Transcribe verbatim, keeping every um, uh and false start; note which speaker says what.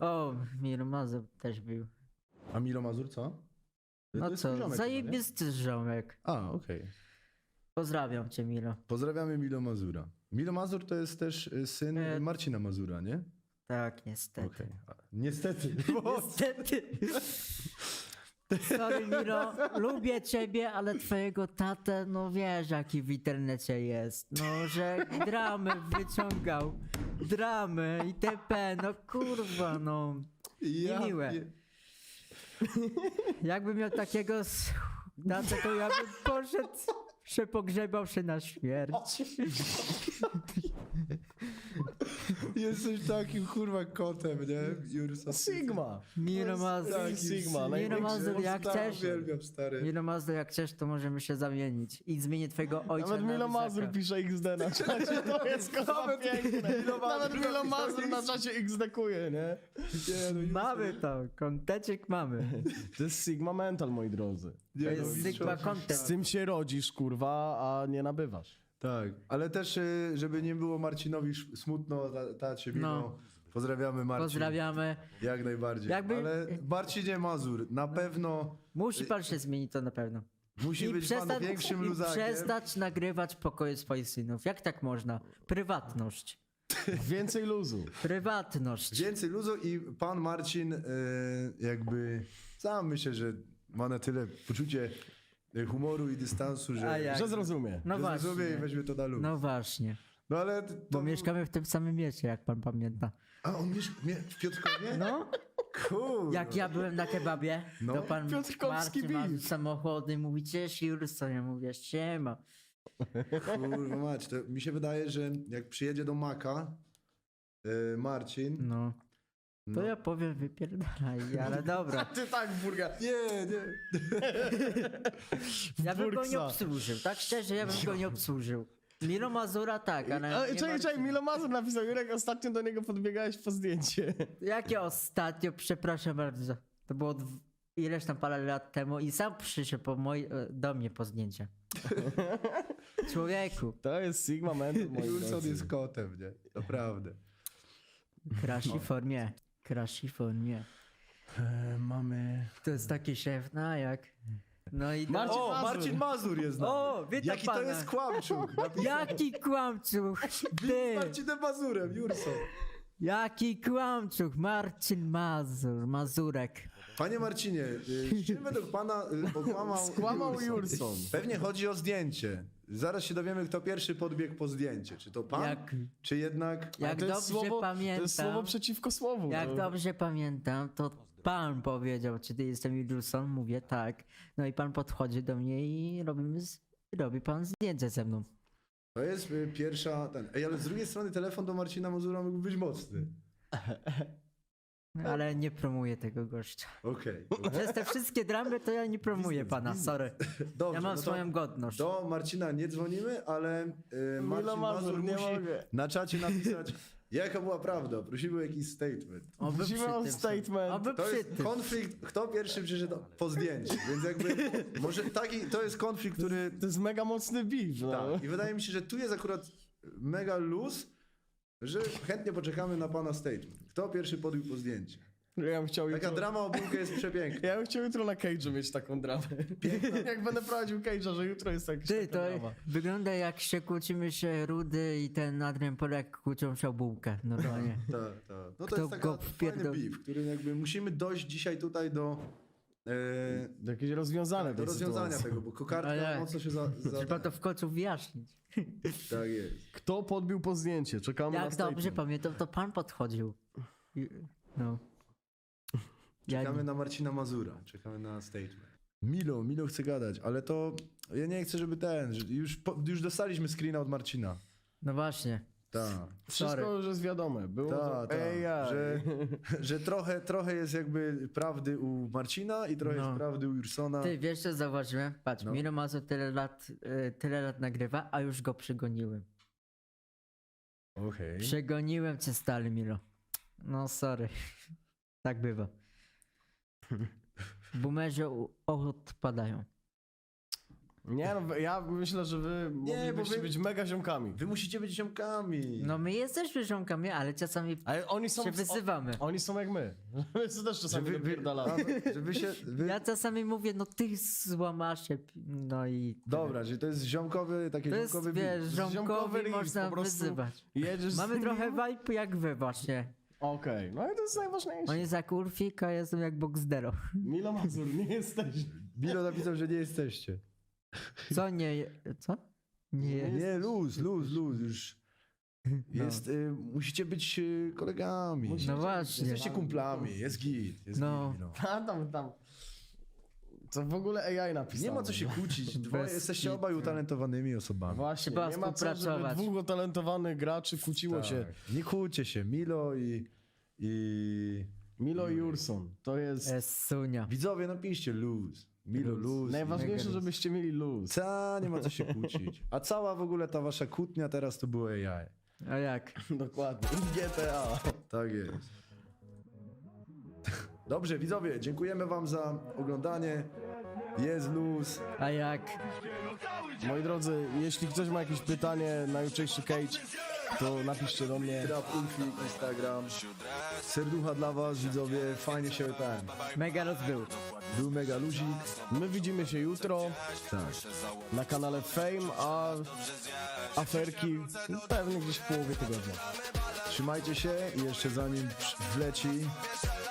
Speaker 1: O, Miro Mazur też był.
Speaker 2: A Milo Mazur co? To
Speaker 1: No
Speaker 2: jest
Speaker 1: co,
Speaker 2: ziomek chyba, nie?
Speaker 1: zajebisty ziomek.
Speaker 2: A, okej.
Speaker 1: Pozdrawiam cię, Milo.
Speaker 2: Pozdrawiamy Milo Mazura. Milo Mazur to jest też y, syn
Speaker 1: E,
Speaker 2: Marcina Mazura, nie?
Speaker 1: Tak, niestety.
Speaker 2: Okej. A, Niestety.
Speaker 1: Niestety. Sorry, Miro, lubię ciebie, ale twojego tatę, no wiesz jaki w internecie jest. No, że dramy wyciągał. Dramy itp. No kurwa, no. Niemiłe.
Speaker 2: pie-
Speaker 1: Jakbym miał takiego s- tatę, to ja bym poszedł, się pogrzebał się na śmierć.
Speaker 2: Jesteś takim kurwa kotem, nie? Jursa.
Speaker 3: Sigma.
Speaker 1: Miro Mazur,
Speaker 3: Taki Sigma,
Speaker 1: Miro
Speaker 3: największy.
Speaker 1: Mazur, jak chcesz.
Speaker 2: Uwielbiam, stary.
Speaker 1: Miro Mazur, jak chcesz, to możemy się zamienić. I zmienię twojego ojca
Speaker 3: Nawet
Speaker 1: na
Speaker 3: Milo
Speaker 1: Luzaka.
Speaker 3: Mazur pisze X D na czacie, to jest kurwa
Speaker 2: Nawet
Speaker 3: piękne.
Speaker 2: Milo Mazur
Speaker 3: Nawet Milo
Speaker 2: napisał
Speaker 3: Mazur na czacie X D kuje, nie?
Speaker 2: Nie, no, Jursa-
Speaker 1: Mamy to, konteczek mamy.
Speaker 3: To jest Sigma Mental, moi drodzy.
Speaker 2: Nie,
Speaker 1: To
Speaker 2: no,
Speaker 1: jest
Speaker 2: mistrzostwo
Speaker 1: Sigma content.
Speaker 3: Z tym się rodzisz, kurwa, a nie nabywasz.
Speaker 2: Tak, ale też, y, żeby nie było Marcinowi sz- smutno, ta- tacie wino.
Speaker 1: No.
Speaker 2: Pozdrawiamy Marcin.
Speaker 1: Pozdrawiamy.
Speaker 2: Jak najbardziej.
Speaker 1: Jakby-
Speaker 2: Ale Marcinie Mazur, na pewno
Speaker 1: Musi pan się zmienić, to na pewno.
Speaker 2: musi
Speaker 1: I
Speaker 2: być pan
Speaker 1: przestać,
Speaker 2: większym
Speaker 1: i
Speaker 2: luzakiem.
Speaker 1: przestać nagrywać pokoje swoich synów. Jak tak można? Prywatność.
Speaker 3: Więcej luzu.
Speaker 1: Prywatność.
Speaker 2: Więcej luzu i pan Marcin y, jakby sam myślę, że ma na tyle poczucie y, humoru i dystansu, że,
Speaker 1: A jak?
Speaker 3: Że zrozumie.
Speaker 1: No
Speaker 2: że zrozumie i
Speaker 1: właśnie.
Speaker 2: weźmie to na luz. No,
Speaker 1: No właśnie.
Speaker 2: ale to,
Speaker 1: Bo mieszkamy w tym samym mieście, jak pan pamięta.
Speaker 2: A on mieszka mie- w Piotrkowie?
Speaker 1: No,
Speaker 2: Kurwa.
Speaker 1: jak ja byłem na kebabie,
Speaker 2: No.
Speaker 1: to pan
Speaker 3: Piotrkowski
Speaker 1: Marcin ma
Speaker 3: beef.
Speaker 1: samochody, mówi cześć Jurso, ja mówię siema.
Speaker 2: Kurwa mać, to mi się wydaje, że jak przyjedzie do Maka y, Marcin,
Speaker 1: No, to
Speaker 2: no,
Speaker 1: ja powiem wypierdalaj, ale dobra.
Speaker 3: Ty tak, burga.
Speaker 2: nie, nie.
Speaker 1: Ja bym go nie
Speaker 3: Burksa.
Speaker 1: obsłużył, tak szczerze, ja bym go nie obsłużył. Milo Mazura tak, ale
Speaker 3: A,
Speaker 1: nie
Speaker 3: czekaj, czekaj,
Speaker 1: Marcina.
Speaker 3: Milo Mazur napisał, Jurek, ostatnio do niego podbiegałeś po zdjęcie.
Speaker 1: Jakie ostatnio, przepraszam bardzo, to było dw- ileś tam parę lat temu i sam przyszedł po moj, e, do mnie po zdjęcie. Człowieku,
Speaker 3: To jest Sigma Mental, moi
Speaker 2: Wilson
Speaker 3: drodzy.
Speaker 2: jest kotem, nie? Naprawdę.
Speaker 1: krashi formie, krashi formie.
Speaker 3: E, mamy...
Speaker 1: To jest taki szef, no jak? No i
Speaker 3: Marcin
Speaker 2: O,
Speaker 3: Mazur.
Speaker 2: Marcin Mazur jest na
Speaker 1: O, witam
Speaker 2: Jaki
Speaker 1: pana.
Speaker 2: to jest kłamczuk.
Speaker 1: Jaki kłamczuch,
Speaker 2: Z
Speaker 1: ty!
Speaker 2: Marcinem Mazurem, Jurso.
Speaker 1: Jaki kłamczuch, Marcin Mazur, Mazurek.
Speaker 2: Panie Marcinie, y, czym według pana y, okłamał
Speaker 3: Skłamał Jurson.
Speaker 2: Pewnie chodzi o zdjęcie. Zaraz się dowiemy, kto pierwszy podbiegł po zdjęcie. Czy to pan,
Speaker 1: Jak,
Speaker 2: czy jednak...
Speaker 1: jak
Speaker 3: to
Speaker 1: dobrze
Speaker 3: jest słowo,
Speaker 1: pamiętam,
Speaker 3: To jest słowo przeciwko słowu.
Speaker 1: jak
Speaker 3: to...
Speaker 1: dobrze pamiętam, to pan powiedział, czy ty jestem Wilson? Mówię tak. No i pan podchodzi do mnie i robimy, z- robi pan zdjęcie ze mną.
Speaker 2: To jest y, pierwsza... Ten. Ej, ale z drugiej strony telefon do Marcina Mazura mógł być mocny.
Speaker 1: Ale nie promuję tego gościa.
Speaker 2: Okej.
Speaker 1: Przez te wszystkie dramy to ja nie promuję pana, sorry.
Speaker 2: Dobrze,
Speaker 1: Ja mam
Speaker 2: no to
Speaker 1: swoją godność.
Speaker 2: do Marcina nie dzwonimy, ale y, Marcin
Speaker 3: Milo Mazur,
Speaker 2: Mazur
Speaker 3: nie
Speaker 2: musi
Speaker 3: mogę.
Speaker 2: na czacie napisać, jaka była prawda. Prosimy o jakiś statement.
Speaker 1: Oby
Speaker 3: Musimy
Speaker 1: przy
Speaker 3: o
Speaker 1: tym-
Speaker 3: statement.
Speaker 1: Oby
Speaker 2: To
Speaker 1: przy
Speaker 2: jest
Speaker 1: tym.
Speaker 2: konflikt, kto pierwszy przyszedł po zdjęciu, więc jakby może taki, to jest konflikt, który...
Speaker 3: To jest mega mocny beef, no.
Speaker 2: Tak, i wydaje mi się, że tu jest akurat mega luz, że chętnie poczekamy na pana statement. Kto pierwszy podbił po zdjęcie?
Speaker 3: Ja bym chciał
Speaker 2: Taka
Speaker 3: jutro...
Speaker 2: drama o bułkę jest przepiękna.
Speaker 3: Ja bym chciał jutro na Cage'u mieć taką dramę. Jak będę prowadził Cage'a, że jutro jest jakaś
Speaker 1: Ty,
Speaker 3: taka
Speaker 1: to
Speaker 3: drama.
Speaker 1: wygląda jak się kłócimy się Rudy i ten Adrian Polak kłócą się o bułkę, normalnie.
Speaker 2: Tak, tak. No to
Speaker 1: Kto
Speaker 2: jest taka
Speaker 1: go
Speaker 2: fajny
Speaker 1: wpierdol-
Speaker 2: beef, który jakby musimy dojść dzisiaj tutaj do, e,
Speaker 3: Do jakieś rozwiązania
Speaker 2: do
Speaker 3: tej
Speaker 2: rozwiązania
Speaker 3: sytuacji.
Speaker 2: tego, bo kokardka
Speaker 1: Ale-
Speaker 2: mocno się za... za
Speaker 1: Trzeba to w końcu wyjaśnić.
Speaker 2: tak jest.
Speaker 3: Kto podbił po zdjęcie? Czekamy na
Speaker 1: Jak dobrze
Speaker 3: statement.
Speaker 1: pamiętam, to pan podchodził. I- No. Ja
Speaker 2: Czekamy
Speaker 1: nie.
Speaker 2: na Marcina Mazura, czekamy na statement. Milo, Milo chce gadać, ale to ja nie chcę, żeby ten, że już, po, już dostaliśmy screena od Marcina.
Speaker 1: No właśnie.
Speaker 2: Tak.
Speaker 3: Wszystko
Speaker 1: Sorry.
Speaker 3: już jest wiadome. Było
Speaker 2: Ta,
Speaker 3: to...
Speaker 2: ta,
Speaker 3: Ej, ja.
Speaker 2: że, że trochę, trochę jest jakby prawdy u Marcina i trochę
Speaker 1: No.
Speaker 2: jest prawdy u Jursona.
Speaker 1: Ty, wiesz co zauważyłem? Patrz,
Speaker 2: No.
Speaker 1: Miro Mazur tyle lat, y, tyle lat nagrywa, a już go przegoniłem.
Speaker 2: Okej.
Speaker 1: Przegoniłem cię stary, Miro. No sorry. Tak bywa. Boomerzy u- odpadają.
Speaker 3: Nie no, ja myślę, że wy moglibyście
Speaker 2: wy-
Speaker 3: być mega ziomkami.
Speaker 2: Wy musicie być ziomkami.
Speaker 1: No my jesteśmy ziomkami, ale czasami
Speaker 3: Ale oni są...
Speaker 1: się wyzywamy.
Speaker 3: O, oni są jak my. My też
Speaker 2: że
Speaker 3: czasami
Speaker 2: wy, wy,
Speaker 3: napierdalamy.
Speaker 2: że wy się... Wy...
Speaker 1: Ja czasami mówię, no ty złamasze, no i...
Speaker 2: Dobra, że to jest ziomkowy, taki
Speaker 1: To jest,
Speaker 2: ziomkowy
Speaker 1: wiesz,
Speaker 2: beat.
Speaker 3: Ziomkowy
Speaker 1: ziomkowi
Speaker 3: riff,
Speaker 1: można
Speaker 3: po prostu
Speaker 1: wyzywać.
Speaker 3: Jedziesz
Speaker 1: Mamy
Speaker 3: z nim.
Speaker 1: trochę vibe jak wy właśnie.
Speaker 3: Okej, no i to jest najważniejsze.
Speaker 1: On jest jak Urfik, a ja jestem jak Boxdero.
Speaker 3: Milo Mazur, nie jesteś.
Speaker 2: Bilo napisał, że nie jesteście.
Speaker 1: Co nie... Co? Nie.
Speaker 2: Nie, luz, luz, luz, już. Jest, y, musicie być y, kolegami.
Speaker 3: Musicie
Speaker 1: No właśnie.
Speaker 2: Jesteście kumplami, jest git. Jest
Speaker 1: No.
Speaker 2: git, no.
Speaker 3: A tam, tam. Co w ogóle A I napisało.
Speaker 2: Nie ma co się kłócić. Dwoje,
Speaker 1: Bez
Speaker 2: jesteście
Speaker 1: kitu.
Speaker 2: obaj utalentowanymi osobami.
Speaker 3: Właśnie,
Speaker 1: Trzeba
Speaker 3: nie ma co, żeby
Speaker 1: współpracować.
Speaker 3: dwóch utalentowanych graczy kłóciło się.
Speaker 2: Tak. Nie kłóćcie się, Milo i... i...
Speaker 3: Milo i Urson, to jest
Speaker 1: Jest sunia.
Speaker 2: Widzowie, napiszcie luz. Milo,
Speaker 1: Luz.
Speaker 2: luz.
Speaker 3: najważniejsze,
Speaker 1: mega
Speaker 3: żebyście mieli luz.
Speaker 2: Ta, nie ma co się kłócić. A cała w ogóle ta wasza kłótnia teraz to było A I.
Speaker 1: A jak?
Speaker 3: Dokładnie. G T A.
Speaker 2: Tak jest. Dobrze, widzowie, dziękujemy wam za oglądanie. Jest luz.
Speaker 1: A jak?
Speaker 3: Moi drodzy, jeśli ktoś ma jakieś pytanie na jutrzejszy Cage, to napiszcie do mnie.
Speaker 2: Trap, Ulfik, Instagram. Serducha dla was, widzowie. Fajnie się ten.
Speaker 1: Mega rozbył.
Speaker 2: Był mega luzik.
Speaker 3: My widzimy się jutro
Speaker 2: Tak.
Speaker 3: na kanale Fame, a aferki pewnie gdzieś w połowie tygodnia.
Speaker 2: Trzymajcie się i jeszcze zanim wleci,